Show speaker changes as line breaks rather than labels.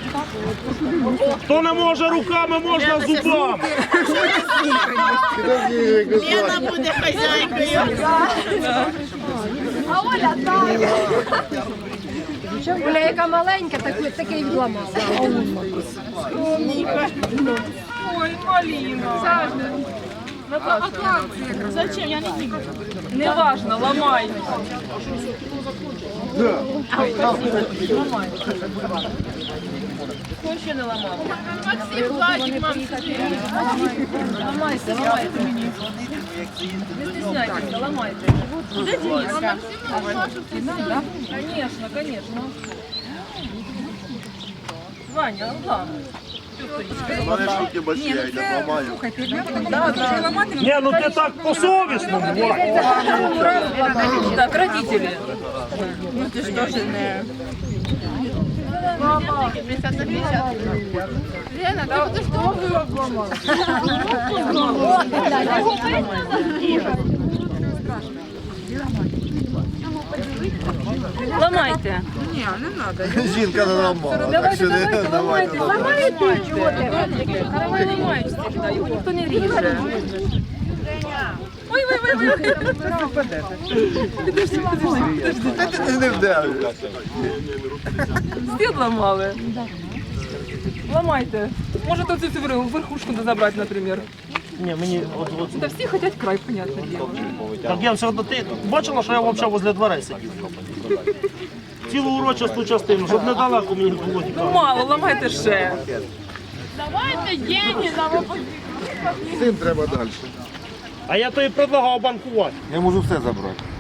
Хто не може руками, можна зубами.
Лена буде хазяйкою.
А Оля так. Оля, яка маленька, такий відламала.
Ой, Маліна. Зачем? Я не діду. Не важно, ламай. Ламай. Хто ще не ламав? Максим, Владик, мам, ламайся, ламайте мені. Не стесняйтесь, ламайте. Де Денис? Конечно, конечно. Ваня, ладно.
У мене шутки больші, я йду ламаю.
Ні, ну ти так по-совісному.
Так, родители. Ну ты что же не... Мама. Лена, ты что обломала? Ломайте.
Ні, не треба.
Жінка не ламала. Так що не давайте.
Ламаєте, чого ти?
Давай ломай всегда, его никто не режет. Ой.
Та ти не вдавиш.
Стіл ламали. Ломайте. Может, вот эту верхушку забрать, например.
Ні, мені от.
Да все хотят край, понятное дело.
Так я все одно, ти бачила, що я взагалі возле дверей сидів? Цілу урочисту частину, щоб недалеко мені було
Ну
тікати.
мало, ламайте ще.
Цим треба далі.
А я тобі предлагав банкувати.
Я можу все забрати.